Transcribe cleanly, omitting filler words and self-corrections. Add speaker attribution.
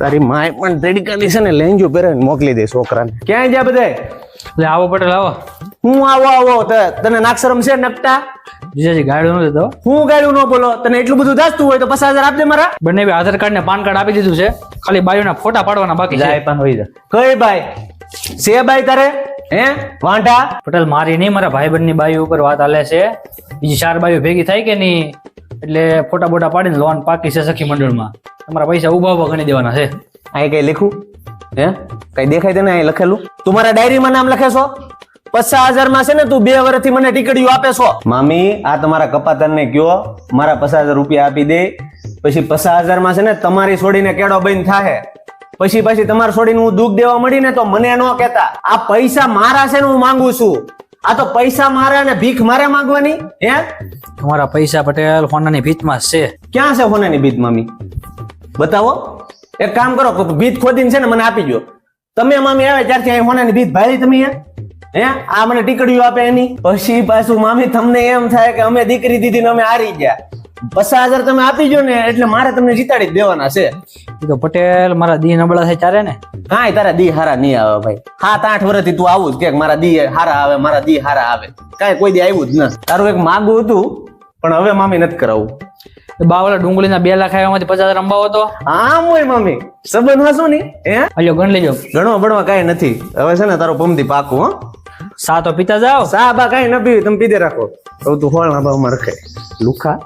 Speaker 1: તારી માય પણ તડકાની છે ને લેંજો પહેરાવીને મોકલી દે છોકરાને. ક્યાંય જા બધાય?
Speaker 2: એટલે આવો પટેલ આવો.
Speaker 1: હું આવો તને નાક્ષરમ છે નકટા?
Speaker 2: જીજાજી ગાડું ન દેતો.
Speaker 1: હું ગાડું ન બોલો? તને એટલું બધું દાસતું હોય તો 50,000 આપ દે મારા.
Speaker 2: બંને બી આધાર કાર્ડ ને પાન કાર્ડ આપી દીધું છે, ખાલી બાયુના ફોટા પાડવાના બાકી છે.
Speaker 3: પણ હોય જા.
Speaker 1: કઈ બાઈ છે બાઈ તારે? હે વાંઢા?
Speaker 2: પટેલ મારી નહીં, મારા ભાઈબંધ ની બાયુ ઉપર વાત હાલે છે. બીજી 4 બાયુ ભેગી થાય કે નહીં, એટલે ફોટા બોટા પાડીને લોન પાકી છે સખી મંડળમાં. તમારા પૈસા ઉભા ગણી દેવાના છે.
Speaker 1: અહીં કઈ લખું? હે કઈ દેખાય તને અહીં લખેલું? તું મારા ડાયરીમાં નામ લખે છો? 50,000 માં છે ને તું 2 વર્ષથી મને ટીકડીઓ આપે છો. મામી આ તમારા કપાતરને કયો મારા 50,000 રૂપિયા આપી દે. પછી 50,000 માં છે ને તમારી છોડીને કેડો બંધ થાય. પછી તમારે છોડીને હું દુઃખ દેવા મળી ને તો મને ન કહેતા. આ પૈસા મારા છે ને હું માંગુ છું. આ તો પૈસા મારા ને ભીખ મારે માંગવાની? હે
Speaker 2: તમારા પૈસા પટેલ હોનાની ભીતમાં છે.
Speaker 1: ક્યાં છે હોનાની ભીત મામી? બતાવો. એક કામ કરો, ભીત ખોદીને છે ને મને આપી દો. તમે મામી આવે ત્યારથી અહીં હોનાની ભીત ભાળી તમે હે આ મને ટીકડીઓ આપે એની. પછી પાછું મામી તમને એમ થાય કે અમે દીકરી દીધી ને અમે હારી ગયા. 50,000 તમે આપી જો ને એટલે મારે તમને જીતાડી જ દેવાના છે.
Speaker 2: એ તો પટેલ મારા દી નબળા થાય ચારે ને.
Speaker 1: કાંઈ તારા દી હારા નહીં આવે ભાઈ. 7-8 વર્ષથી તું આવું જ કે મારા દી હારા આવે, મારા દી હારા આવે. કાંઈ કોઈ દી આવ્યું જ ન. તારું એક માગું હતું પણ હવે મામી નથી કરાવું.
Speaker 2: બાવલા ડુંગળીના 2 લાખ આવ્યામાંથી 50,000 અંબાવો તો
Speaker 1: આમ હોય મામી સંબંધ હશું ને. હે
Speaker 2: અલ્યો ગણ લેજો.
Speaker 1: ઘણો ભણવા કાંઈ નથી. હવે છે ને તારો પમથી પાકું. હો
Speaker 2: સા તો પીતા જાઓ.
Speaker 1: સા બા કાંઈ ન પીવી, તમે પીધે રાખો. તો તું હોળ ના ભાવમાં રખાય લુખા.